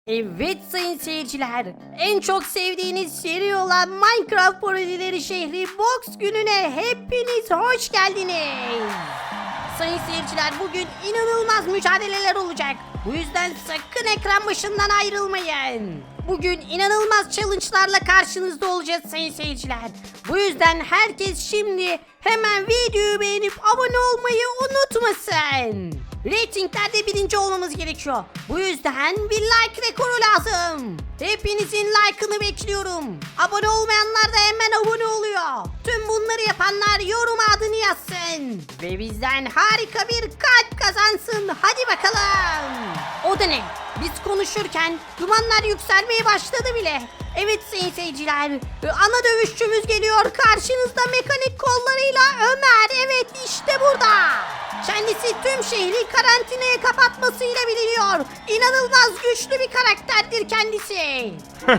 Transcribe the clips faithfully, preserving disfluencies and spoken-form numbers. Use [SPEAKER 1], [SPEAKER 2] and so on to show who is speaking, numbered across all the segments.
[SPEAKER 1] Evet sayın seyirciler, en çok sevdiğiniz seri olan Minecraft parodileri şehri Box gününe hepiniz hoş geldiniz. Sayın seyirciler, bugün inanılmaz mücadeleler olacak. Bu yüzden sakın ekran başından ayrılmayın. Bugün inanılmaz challenge'larla karşınızda olacağız sayın seyirciler. Bu yüzden herkes şimdi hemen videoyu beğenip abone olmayı unutmasın. Ratinglerde birinci olmamız gerekiyor. Bu yüzden bir like rekoru lazım. Hepinizin like'ını bekliyorum. Abone olmayanlar da hemen abone oluyor. Tüm bunları yapanlar yoruma adını yazsın. Ve bizden harika bir kalp kazansın. Hadi bakalım. O da ne? Biz konuşurken dumanlar yükselmeye başladı bile. Evet sayın seyirciler, ana dövüşçümüz geliyor. Karşınızda mekanik kollarıyla Ömer. Evet, işte burada. Kendisi tüm şehri karantinaya kapatmasıyla biliniyor. İnanılmaz güçlü bir karakterdir kendisi.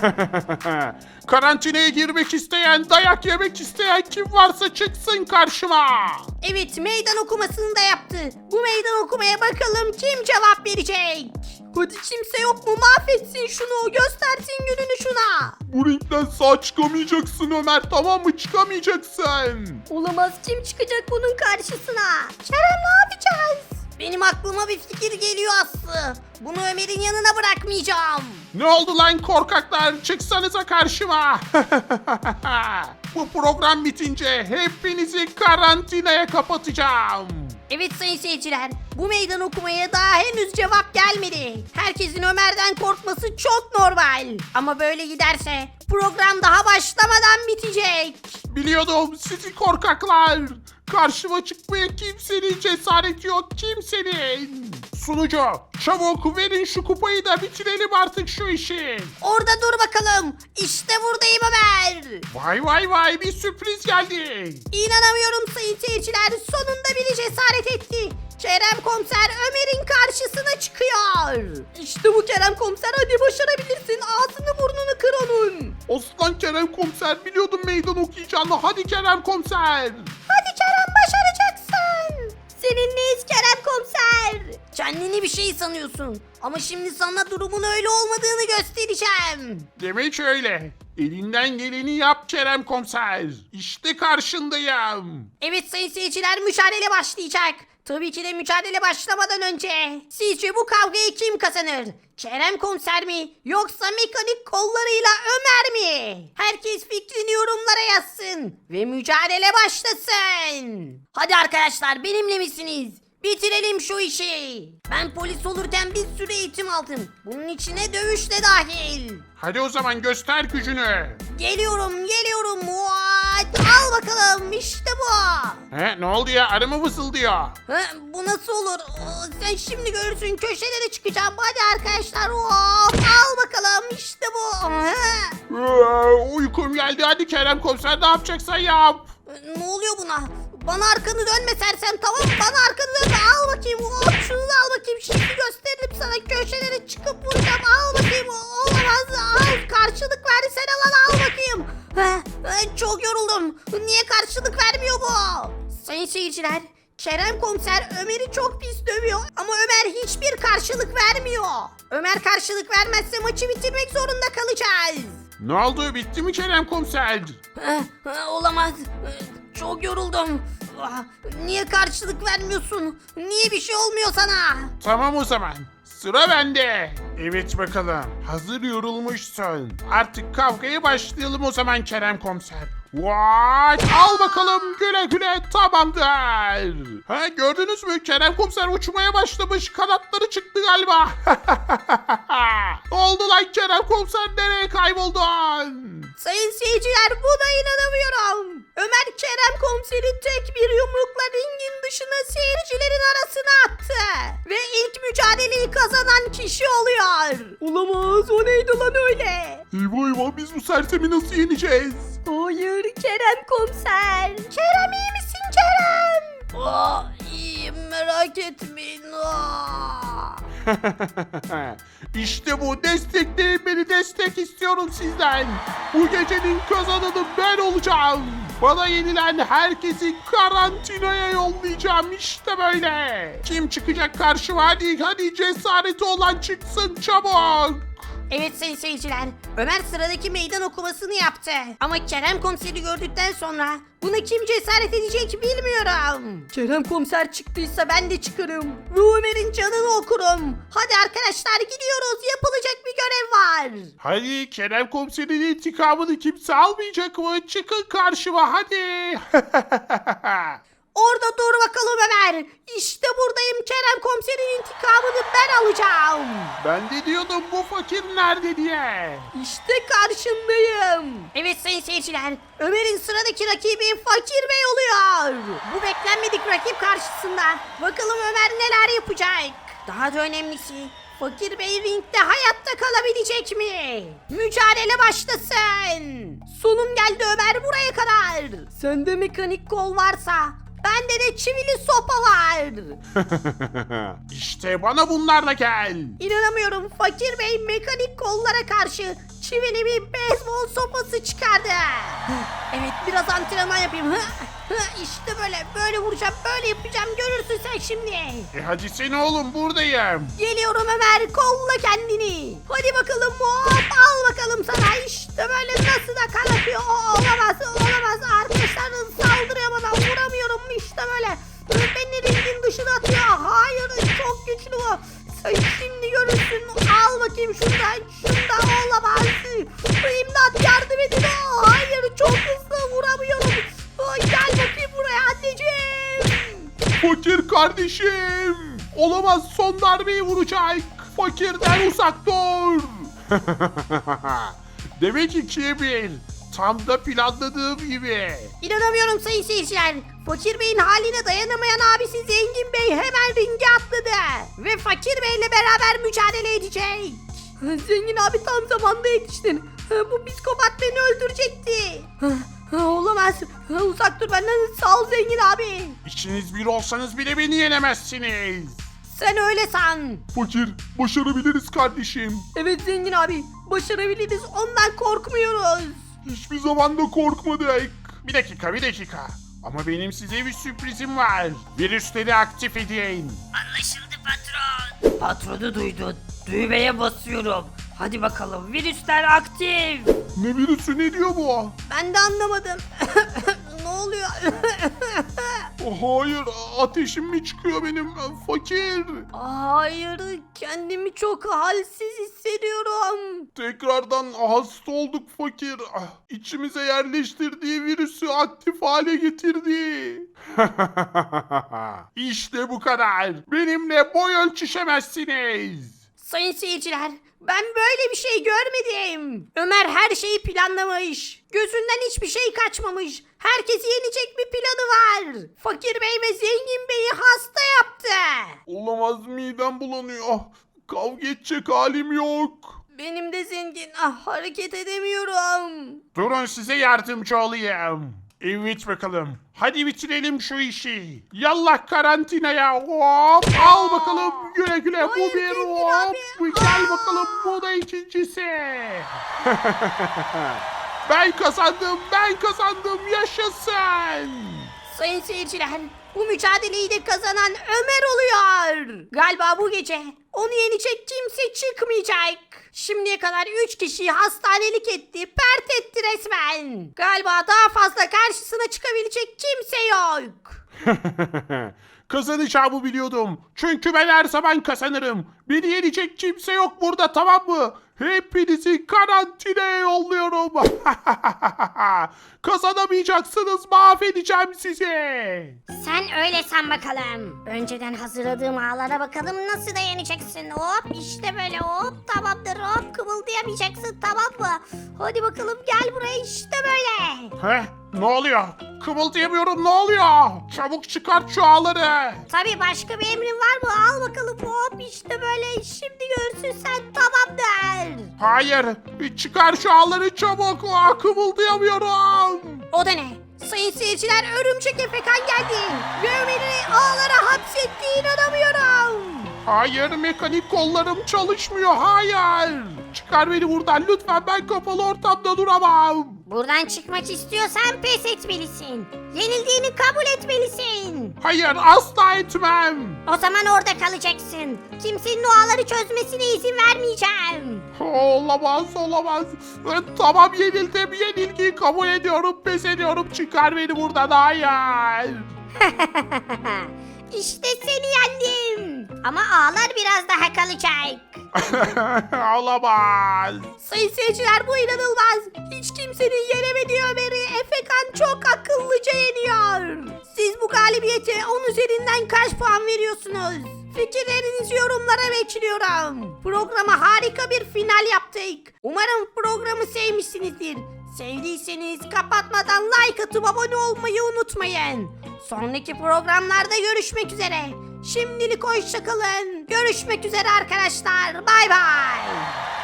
[SPEAKER 2] Karantinaya girmek isteyen, dayak yemek isteyen kim varsa çıksın karşıma.
[SPEAKER 1] Evet, meydan okumasını da yaptı. Bu meydan okumaya bakalım kim cevap verecek? Hadi, kimse yok mu? Mahvetsin şunu, göstersin gününü şuna.
[SPEAKER 2] Bu ringden sağ çıkamayacaksın Ömer, tamam mı? Çıkamayacaksın.
[SPEAKER 1] Olamaz, kim çıkacak bunun karşısına? Kerem, ne yapacağız? Benim aklıma bir fikir geliyor Aslı. Bunu Ömer'in yanına bırakmayacağım.
[SPEAKER 2] Ne oldu lan korkaklar? Çıksanıza karşıma. Bu program bitince hepinizi karantinaya kapatacağım.
[SPEAKER 1] Evet sayın seyirciler, bu meydan okumaya daha henüz cevap gelmedi. Herkesin Ömer'den korkması çok normal. Ama böyle giderse program daha başlamadan bitecek.
[SPEAKER 2] Biliyordum sizi korkaklar. Karşıma çıkmaya kimsenin cesareti yok, kimsenin. Sunucu, çabuk verin şu kupayı da bitirelim artık şu işi.
[SPEAKER 1] Orada dur bakalım. İşte buradayım Ömer.
[SPEAKER 2] Vay vay vay, bir sürpriz geldi.
[SPEAKER 1] İnanamıyorum sayın seyirciler. Sonunda biri cesaret etti. Kerem Komiser Ömer'in karşısına çıkıyor. İşte bu Kerem Komiser, hadi başarabilirsin. Ağzını burnunu kır onun.
[SPEAKER 2] Aslan Kerem Komiser, biliyordum meydan okuyacağını. Hadi Kerem Komiser.
[SPEAKER 1] Hadi Kerem, başaracaksın. Seninleyiz Kerem Komiser. Kendini bir şey sanıyorsun. Ama şimdi sana durumun öyle olmadığını göstereceğim.
[SPEAKER 2] Demek öyle. Elinden geleni yap Kerem Komiser. İşte karşındayım.
[SPEAKER 1] Evet sayın seyirciler, mücadele başlayacak. Tabii ki de mücadele başlamadan önce sizce bu kavgayı kim kazanır? Kerem Komiser mi, yoksa mekanik kollarıyla Ömer mi? Herkes fikrini yorumlara yazsın ve mücadele başlasın. Hadi arkadaşlar, benimle misiniz? Bitirelim şu işi. Ben polis olurken bir sürü eğitim aldım. Bunun içine dövüş de dahil.
[SPEAKER 2] Hadi o zaman göster gücünü.
[SPEAKER 1] Geliyorum, geliyorum. What? Al bakalım, işte bu.
[SPEAKER 2] He, ne oldu ya? Arı mı vızıldıyor?
[SPEAKER 1] Ha, bu nasıl olur? Oo, sen şimdi görürsün, köşelere çıkacağım. Hadi arkadaşlar. Hop, al bakalım, işte bu. Ha.
[SPEAKER 2] Ee, uykum geldi. Hadi Kerem Komiser, ne yapacaksan yap.
[SPEAKER 1] Ne oluyor buna? Bana arkanı dönme sersem, tamam mı? Bana arkanı dönme. Al bakayım. Hop, şunu da al bakayım. Şimdi gösteririm sana. Köşelere çıkıp vuracağım. Al bakayım. Olamaz. Al. Karşılık verdi. Sen al, al bakayım. Ha, ha, çok yoruldum. Niye karşılık vermiyor bu? Sayın seyirciler, Kerem Komiser Ömer'i çok pis dövüyor. Ama Ömer hiçbir karşılık vermiyor. Ömer karşılık vermezse maçı bitirmek zorunda kalacağız.
[SPEAKER 2] Ne oldu? Bitti mi Kerem Komiser?
[SPEAKER 1] Ha, ha, olamaz. Çok yoruldum. Ah, niye karşılık vermiyorsun? Niye bir şey olmuyor sana?
[SPEAKER 2] Tamam o zaman. Sıra bende. Evet bakalım. Hazır yorulmuşsun. Artık kavgaya başlayalım o zaman Kerem Komiser. Vay! Al bakalım, güle güle, tamamdır. Ha, gördünüz mü? Kerem Komiser uçmaya başlamış. Kanatları çıktı galiba. Oldu lan Kerem Komiser, nereye kayboldun?
[SPEAKER 1] Sayın seyirciler, buna inanamıyorum. Ömer Kerem Komiser'i tek bir yumrukla ringin dışına seyircilerin arasına attı. Ve ilk mücadeleyi kazanan kişi oluyor. Olamaz, o neydi lan öyle?
[SPEAKER 2] Eyvah eyvah, biz bu sersemi nasıl yeneceğiz?
[SPEAKER 1] Hayır Kerem Komiser. Kerem, iyi misin Kerem? Aa, iyiyim, merak etmeyin. Aa.
[SPEAKER 2] İşte bu, destekleyin beni, destek istiyorum sizden. Bu gecenin kazananı ben olacağım. Bana yenilen herkesi karantinaya yollayacağım, işte böyle. Kim çıkacak karşıma? Hadi hadi, cesareti olan çıksın çabuk.
[SPEAKER 1] Evet sayın seyirciler, Ömer sıradaki meydan okumasını yaptı. Ama Kerem komiseri gördükten sonra buna kim cesaret edecek bilmiyorum. Kerem komiser çıktıysa ben de çıkarım. Ve Ömer'in canını okurum. Hadi arkadaşlar gidiyoruz, yapılacak bir görev var.
[SPEAKER 2] Hadi Kerem komiserin intikamını kimse almayacak mı? Çıkın karşıma hadi.
[SPEAKER 1] Orada dur bakalım Ömer. İşte buradayım, Kerem komiserin intikamını ben alacağım.
[SPEAKER 2] Ben de diyordum bu fakir nerede diye.
[SPEAKER 1] İşte karşındayım. Evet sayın seyirciler, Ömer'in sıradaki rakibi Fakir Bey oluyor. Bu beklenmedik rakip karşısında bakalım Ömer neler yapacak. Daha da önemlisi, Fakir Bey ringde hayatta kalabilecek mi? Mücadele başlasın. Sonum geldi Ömer, buraya kadar. Sende mekanik kol varsa bende de çivili sopa var.
[SPEAKER 2] İşte bana bunlarla gel.
[SPEAKER 1] İnanamıyorum, Fakir Bey mekanik kollara karşı çivili bir beyzbol sopası çıkardı. Evet, biraz antrenman yapayım. İşte böyle böyle vuracağım, böyle yapacağım, görürsün sen şimdi.
[SPEAKER 2] E hadi sen oğlum buradayım.
[SPEAKER 1] Geliyorum Ömer, kolla kendini. Hadi bakalım, hop, al bakalım sana. İşte böyle, nasıl da kan atıyor. O, olamaz olamaz arkadaşlar, saldırıyor bana, vuramıyorum. İşte böyle beni ringin dışına atıyor. Hayır, çok güçlü bu. Sen şimdi görürsün. Al bakayım şundan. Şundan olamaz. İmdat, yardım edin. Oh, hayır, çok hızlı, vuramıyorum. Oh, gel bakayım buraya anneciğim.
[SPEAKER 2] Fakir kardeşim. Olamaz, son darbeyi vuracak. Fakirden uzak dur. Demek ikiye bir. Tam da planladığım gibi.
[SPEAKER 1] İnanamıyorum sayın seyirciler. Fakir Bey'in haline dayanamayan abisi Zengin Bey hemen ringe atladı. Ve Fakir Bey'le beraber mücadele edecek. Zengin abi, tam zamanda yetiştin. Bu psikopat beni öldürecekti. Olamaz. Uzak dur benden. Sağ ol Zengin abi.
[SPEAKER 2] İkiniz bir olsanız bile beni yenemezsiniz.
[SPEAKER 1] Sen öyle san.
[SPEAKER 2] Fakir, başarabiliriz kardeşim.
[SPEAKER 1] Evet Zengin abi, başarabiliriz. Ondan korkmuyoruz.
[SPEAKER 2] Hiçbir zaman da korkmadık. Bir dakika, bir dakika. Ama benim size bir sürprizim var. Virüsleri aktif edin.
[SPEAKER 1] Anlaşıldı patron. Patronu duydun. Düğmeye basıyorum. Hadi bakalım, virüsler aktif.
[SPEAKER 2] Ne virüsü, ne diyor bu?
[SPEAKER 1] Ben de anlamadım. Ne oluyor?
[SPEAKER 2] Oh, hayır, ateşim mi çıkıyor benim? Fakir.
[SPEAKER 1] Hayır, kendimi çok halsiz hissediyorum.
[SPEAKER 2] Tekrardan hasta olduk fakir. Ah, İçimize yerleştirdiği virüsü aktif hale getirdi. İşte bu kadar. Benimle boy ölçüşemezsiniz.
[SPEAKER 1] Sayın seyirciler, ben böyle bir şey görmedim. Ömer her şeyi planlamış. Gözünden hiçbir şey kaçmamış. Herkesi yenecek bir planı var. Fakir Bey ve Zengin Bey'i hasta yaptı.
[SPEAKER 2] Olamaz, midem bulanıyor. Ah, Kavga edecek halim yok.
[SPEAKER 1] Benim de zengin. Ah, hareket edemiyorum.
[SPEAKER 2] Durun, size yardımcı olayım. Evet bakalım. Hadi bitirelim şu işi. Yallah karantinaya. Hop. Al bakalım. Güle güle. Bu
[SPEAKER 1] Hayır,
[SPEAKER 2] bir
[SPEAKER 1] zengin
[SPEAKER 2] hop.
[SPEAKER 1] abi.
[SPEAKER 2] Bu gel bakalım. Bu da ikincisi. Ben kazandım. Ben kazandım. Yaşasın.
[SPEAKER 1] Sayın seyirciler, bu mücadeleyi de kazanan Ömer oluyor. Galiba bu gece onu yenecek kimse çıkmayacak. Şimdiye kadar üç kişiyi hastanelik etti, pert etti resmen. Galiba daha fazla karşısına çıkabilecek kimse yok.
[SPEAKER 2] Kazanacağımı biliyordum. Çünkü ben her zaman kazanırım. Beni yenecek kimse yok burada, tamam mı? Hepinizi karantinaya yolluyorum. Kazanamayacaksınız, mahvedeceğim sizi.
[SPEAKER 3] Sen öyle san bakalım. Önceden hazırladığım ağlara bakalım nasıl dayanyacaksın. Hop işte böyle, hop tamamdır, hop kımıldayamayacaksın, tamam mı? Hadi bakalım, gel buraya, işte böyle.
[SPEAKER 2] Heh, ne oluyor? Kımıldayamıyorum, ne oluyor? Çabuk çıkart şu ağları.
[SPEAKER 3] Tabii, başka bir emrin var mı? Al bakalım, hop işte böyle, şimdi görürsün sen, tamamdır.
[SPEAKER 2] Hayır, çıkar şu ağları çabuk. Aa, kımıldayamıyorum.
[SPEAKER 1] O da ne? Sayın seyirciler, örümcek Efekan geldi. Ve Ömer'i ağlara hapsetti, inanamıyorum.
[SPEAKER 2] Hayır, mekanik kollarım çalışmıyor, hayır. Çıkar beni buradan lütfen, ben kapalı ortamda duramam.
[SPEAKER 3] Buradan çıkmak istiyorsan pes etmelisin. Yenildiğini kabul etmelisin.
[SPEAKER 2] Hayır, asla etmem.
[SPEAKER 3] O zaman orada kalacaksın. Kimsenin o ağları çözmesine izin vermeyeceğim.
[SPEAKER 2] Olamaz, olamaz. Tamam, yenildim. Yenilgiyi kabul ediyorum. Pes ediyorum. Çıkar beni buradan. Hayır.
[SPEAKER 3] İşte seni yendim. Ama ağlar biraz daha kalacak.
[SPEAKER 2] Olamaz.
[SPEAKER 1] Sayın seyirciler, bu inanılmaz. Hiç kimsenin yenemediği Ömer'i Efekan çok akıllıca yeniyor. Siz bu galibiyete on üzerinden kaç puan veriyorsunuz? Fikirlerinizi yorumlara bekliyorum. Programa harika bir final yaptık. Umarım programı sevmişsinizdir. Sevdiyseniz kapatmadan like atıp abone olmayı unutmayın. Sonraki programlarda görüşmek üzere. Şimdilik hoşça kalın. Görüşmek üzere arkadaşlar. Bay bay.